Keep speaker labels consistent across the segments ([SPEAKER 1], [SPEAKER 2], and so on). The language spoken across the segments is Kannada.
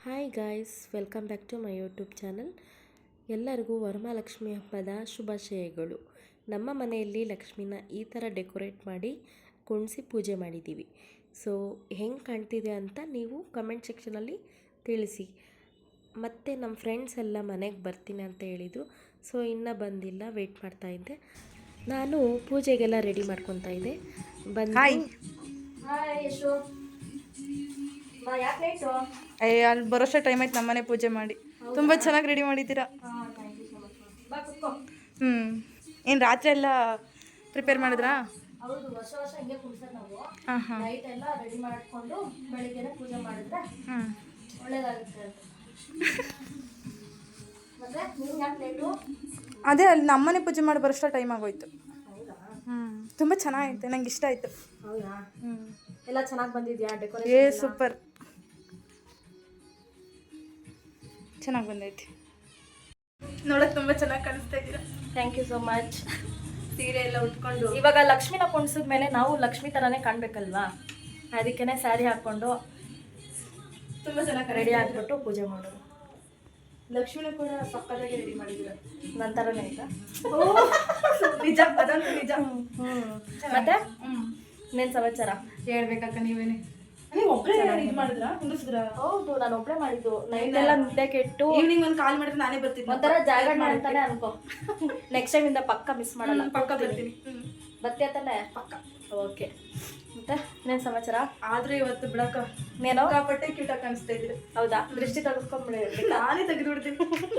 [SPEAKER 1] Hi guys, welcome back to my YouTube channel. ಎಲ್ಲರಿಗೂ ವರಮಹಾಲಕ್ಷ್ಮಿ ಹಬ್ಬದ ಶುಭಾಶಯಗಳು. ನಮ್ಮ ಮನೆಯಲ್ಲಿ ಲಕ್ಷ್ಮಿನ ಈ ಥರ ಡೆಕೋರೇಟ್ ಮಾಡಿ ಕುಣಿಸಿ ಪೂಜೆ ಮಾಡಿದ್ದೀವಿ. ಸೊ ಹೆಂಗೆ ಕಾಣ್ತಿದೆ ಅಂತ ನೀವು ಕಮೆಂಟ್ ಸೆಕ್ಷನಲ್ಲಿ ತಿಳಿಸಿ. ಮತ್ತು ನಮ್ಮ ಫ್ರೆಂಡ್ಸ್ ಎಲ್ಲ ಮನೆಗೆ ಬರ್ತೀನಿ ಅಂತ ಹೇಳಿದರು. ಸೊ ಇನ್ನೂ ಬಂದಿಲ್ಲ, ವೆಯ್ಟ್ ಮಾಡ್ತಾ ಇದ್ದೆ. ನಾನು ಪೂಜೆಗೆಲ್ಲ ರೆಡಿ ಮಾಡ್ಕೊತಾ ಇದ್ದೆ. ಬಂದು
[SPEAKER 2] ಅಲ್ಲಿ ಬರೋಷ್ಟು ಟೈಮ್ ಆಯ್ತು. ನಮ್ಮನೆ ಪೂಜೆ ಮಾಡಿ ತುಂಬ ಚೆನ್ನಾಗಿ ರೆಡಿ ಮಾಡಿದ್ದೀರಾ. ಏನು ರಾತ್ರಿ ಎಲ್ಲ ಪ್ರಿಪೇರ್ ಮಾಡಿದ್ರಾ?
[SPEAKER 1] ಹೌದು, ವರ್ಷ ಹಿಂಗೆ ಕುಣಿಸೋದು ನಾವು.
[SPEAKER 2] ಹಾಂ ಹಾಂ
[SPEAKER 1] ನೈಟ್ ಎಲ್ಲ ರೆಡಿ ಮಾಡಿಕೊಂಡು ಬೆಳಿಗ್ಗೆನೇ ಪೂಜೆ ಮಾಡಿದ್ರೆ ಒಳ್ಳೇದಾಗುತ್ತೆ ಅಂತ. ಮತ್ತೆ ನೀವು ಯಾಕೆ ಲೇಟು?
[SPEAKER 2] ಅದೇ ಅಲ್ಲಿ ನಮ್ಮನೆ ಪೂಜೆ ಮಾಡಿ ಬರೋಷ್ಟು ಟೈಮ್ ಆಗೋಯ್ತು. ತುಂಬ ಚೆನ್ನಾಗೈತೆ, ನಂಗೆ ಇಷ್ಟ ಆಯಿತು.
[SPEAKER 1] ಹೌದಾ? ಎಲ್ಲ ಚೆನ್ನಾಗಿ ಬಂದಿದ್ಯಾ ಡೆಕೋರೇಷನ್?
[SPEAKER 2] ಸೂಪರ್, ಚೆನ್ನಾಗಿ ಬಂದೈತಿ. ನೋಡೋಕೆ ತುಂಬ ಚೆನ್ನಾಗಿ ಕಾಣಿಸ್ತಾ ಇದ್ದೀರಾ.
[SPEAKER 1] Thank you so much.
[SPEAKER 2] ಸೀರೆ ಎಲ್ಲ ಉಟ್ಕೊಂಡು
[SPEAKER 1] ಇವಾಗ ಲಕ್ಷ್ಮಿನ ಕುಣಿಸಿದ ಮೇಲೆ ನಾವು ಲಕ್ಷ್ಮಿ ಥರನೇ ಕಾಣಬೇಕಲ್ವಾ, ಅದಕ್ಕೇ ಸ್ಯಾರಿ ಹಾಕ್ಕೊಂಡು
[SPEAKER 2] ತುಂಬ ಚೆನ್ನಾಗಿ
[SPEAKER 1] ರೆಡಿ ಆಗಿಬಿಟ್ಟು ಪೂಜೆ ಮಾಡೋದು.
[SPEAKER 2] ಲಕ್ಷ್ಮಿನ ಕೂಡ ಸಕ್ಕತ್ತಾಗಿ ರೆಡಿ ಮಾಡಿದ್ದೀರ.
[SPEAKER 1] ನನ್ನ ಥರನೇ ಆಯ್ತಾ?
[SPEAKER 2] ನಿಜ, ಅದಂತೂ ನಿಜ.
[SPEAKER 1] ಮತ್ತೆ ಇನ್ನೇನು ಸಮಾಚಾರ?
[SPEAKER 2] ಹೇಳ್ಬೇಕಕ್ಕ ನೀವೇನೆ. ನೀವು ಒಬ್ಬರೇ ಇದು ಮಾಡಿದ್ರಾ, ಕುಂಡಿಸಿದ್ರಾ?
[SPEAKER 1] ಹೌದು, ನಾನು ಒಬ್ಬಳೇ ಮಾಡಿದ್ದು. ನೈಟ್ ಎಲ್ಲ ನಿದ್ದೆ ಕೆಟ್ಟು
[SPEAKER 2] ಈವ್ನಿಂಗ್ ಒಂದು ಕಾಲ್ ಮಾಡಿದ್ರೆ ನಾನೇ ಬರ್ತೀನಿ.
[SPEAKER 1] ಒಂಥರ ಜಾಗರಣೆ ಅಂತಾನೆ ಅನ್ಕೋ. ನೆಕ್ಸ್ಟ್ ಟೈಮ್ ಇಂದ ಪಕ್ಕ ಮಿಸ್ ಮಾಡಲ್ಲ.
[SPEAKER 2] ಪಕ್ಕ ಬರ್ತೀನಿ.
[SPEAKER 1] ಬರ್ತೀಯ ತಾನೆ?
[SPEAKER 2] ಪಕ್ಕ.
[SPEAKER 1] ಓಕೆ. ಮತ್ತೆ ಇನ್ನೇನು ಸಮಾಚಾರ?
[SPEAKER 2] ಆದ್ರೆ ಇವತ್ತು ಬಿಡಕ್ಕ
[SPEAKER 1] ನೀನು
[SPEAKER 2] ಕಾಪಟ್ಟೆ ಕ್ಯೂಟಾಗಿ ಕಾಣಿಸ್ತಾ ಇದ್ದೀರಿ.
[SPEAKER 1] ಹೌದಾ? ದೃಷ್ಟಿ ತೆಗೆದುಕೊಂಡ್ಬಿಡಿ.
[SPEAKER 2] ನಾನೇ ತೆಗೆದು ಬಿಡ್ತೀನಿ.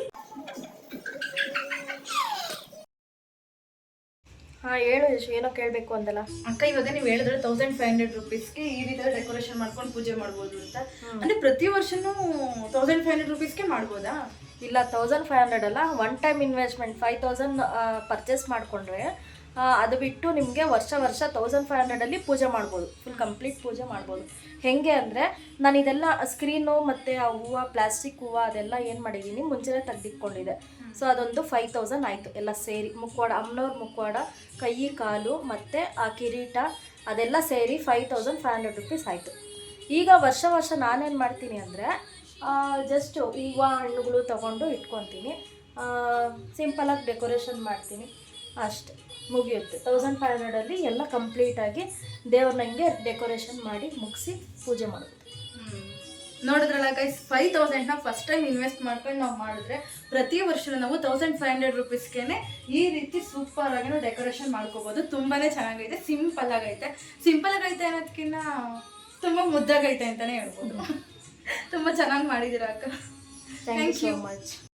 [SPEAKER 1] ಹಾಂ, ಹೇಳು ಯಶು, ಏನೋ ಕೇಳಬೇಕು ಅಂತಲ್ಲ.
[SPEAKER 2] ಅಕ್ಕ, ಇವಾಗ ನೀವು ಹೇಳಿದ್ರೆ 1500 ರೂಪೀಸ್ಗೆ ಈ ರೀತಿ ಡೆಕೋರೇಷನ್ ಮಾಡ್ಕೊಂಡು ಪೂಜೆ ಮಾಡ್ಬೋದು ಅಂತ. ಅಂದ್ರೆ ಪ್ರತಿ ವರ್ಷನೂ 1500 ರೂಪೀಸ್ಗೆ ಮಾಡ್ಬೋದಾ?
[SPEAKER 1] ಇಲ್ಲ, 1500 ಅಲ್ಲ, ಒನ್ ಟೈಮ್ ಇನ್ವೆಸ್ಟ್ಮೆಂಟ್ 5000 ಪರ್ಚೇಸ್ ಮಾಡಿಕೊಂಡ್ರೆ ಅದು ಬಿಟ್ಟು ನಿಮಗೆ ವರ್ಷ 1500ಅಲ್ಲಿ ಪೂಜೆ ಮಾಡ್ಬೋದು. ಫುಲ್ ಕಂಪ್ಲೀಟ್ ಪೂಜೆ ಮಾಡ್ಬೋದು. ಹೇಗೆ ಅಂದರೆ, ನಾನು ಇದೆಲ್ಲ ಸ್ಕ್ರೀನು ಮತ್ತು ಆ ಹೂವು, ಪ್ಲಾಸ್ಟಿಕ್ ಹೂವು ಅದೆಲ್ಲ ಏನು ಮಾಡಿದ್ದೀನಿ ಮುಂಚೆನೇ ತೆಗೆದಿಟ್ಕೊಂಡಿದ್ದೆ. ಸೊ ಅದೊಂದು 5000 ಆಯಿತು ಎಲ್ಲ ಸೇರಿ. ಮುಖವಾಡ, ಅಮ್ಮನವ್ರ ಮುಖವಾಡ, ಕೈ ಕಾಲು ಮತ್ತು ಆ ಕಿರೀಟ ಅದೆಲ್ಲ ಸೇರಿ 5500 ರೂಪೀಸ್ ಆಯಿತು. ಈಗ ವರ್ಷ ನಾನೇನು ಮಾಡ್ತೀನಿ ಅಂದರೆ, ಜಸ್ಟು ಹೂವು ಹಣ್ಣುಗಳು ತೊಗೊಂಡು ಇಟ್ಕೊತೀನಿ, ಸಿಂಪಲಾಗಿ ಡೆಕೋರೇಷನ್ ಮಾಡ್ತೀನಿ, ಅಷ್ಟೆ, ಮುಗಿಯುತ್ತೆ. 1500ಅಲ್ಲಿ ಎಲ್ಲ ಕಂಪ್ಲೀಟಾಗಿ ದೇವ್ರನ್ನ ಹಿಂಗೆ ಡೆಕೋರೇಷನ್ ಮಾಡಿ ಮುಗಿಸಿ ಪೂಜೆ ಮಾಡೋದು.
[SPEAKER 2] ನೋಡಿದ್ರಲ್ಲ ಗೈಸ್, 5000ನ ಫಸ್ಟ್ ಟೈಮ್ ಇನ್ವೆಸ್ಟ್ ಮಾಡ್ಕೊಂಡು ನಾವು ಮಾಡಿದ್ರೆ ಪ್ರತಿ ವರ್ಷ ನಾವು 1500 ರೂಪೀಸ್ಗೆ ಈ ರೀತಿ ಸೂಪರ್ ಆಗಿ ನಾವು ಡೆಕೋರೇಷನ್ ಮಾಡ್ಕೋಬೋದು. ತುಂಬಾನೇ ಚೆನ್ನಾಗೈತೆ, ಸಿಂಪಲ್ ಆಗೈತೆ. ಸಿಂಪಲ್ ಆಗೈತೆ ಅನ್ನೋದಕ್ಕಿಂತ ತುಂಬ ಮುದ್ದಾಗೈತೆ ಅಂತಾನೆ ಹೇಳ್ಬೋದು. ತುಂಬ ಚೆನ್ನಾಗಿ ಮಾಡಿದ್ದೀರಾ ಅಕ್ಕ.
[SPEAKER 1] Thank you so much.